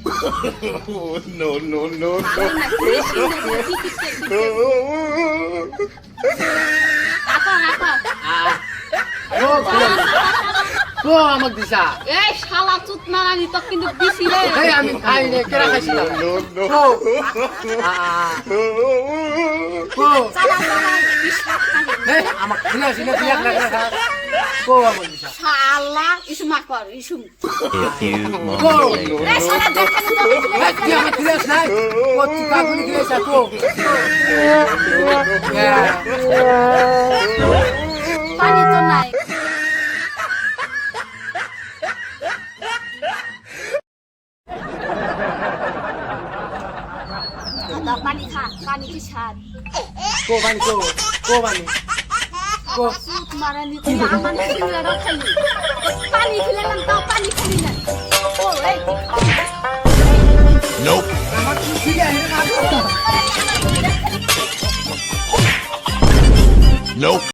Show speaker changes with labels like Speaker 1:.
Speaker 1: No, no, no,
Speaker 2: ভালো না বেশি
Speaker 1: no.
Speaker 2: রাখো রাখো
Speaker 3: ও কো আমাক দিছা
Speaker 2: এই শালা চুত মারানি তো কিন্তু দিছি রে
Speaker 3: এই আমি খাই নে কেরা খাইছি না
Speaker 1: No, no,
Speaker 3: কো কো
Speaker 2: চালা চালা বিশ্বাস খালি
Speaker 3: এই আমাক দিলা সিনা দিয়া লাগা কো আমাক দিছা
Speaker 2: শালা ইসমা কর ইসুম
Speaker 4: A few
Speaker 3: co
Speaker 4: moments later.
Speaker 2: এই শালা দেখানি তো
Speaker 3: এই কি আমাক দিলাস নাই কো চিকা গুলি দিলাস কো
Speaker 2: পানি তো নাই দাদা পানি খা পানি কি স্বাদ
Speaker 3: কো বানি কো বানি কো
Speaker 2: চুত মারানি তো আমার ছেলেরা খালি পানি খেলাম তাও পানি খালি না ও এই
Speaker 1: Nope.
Speaker 3: আমাক ঠিক আছে না
Speaker 1: Nope.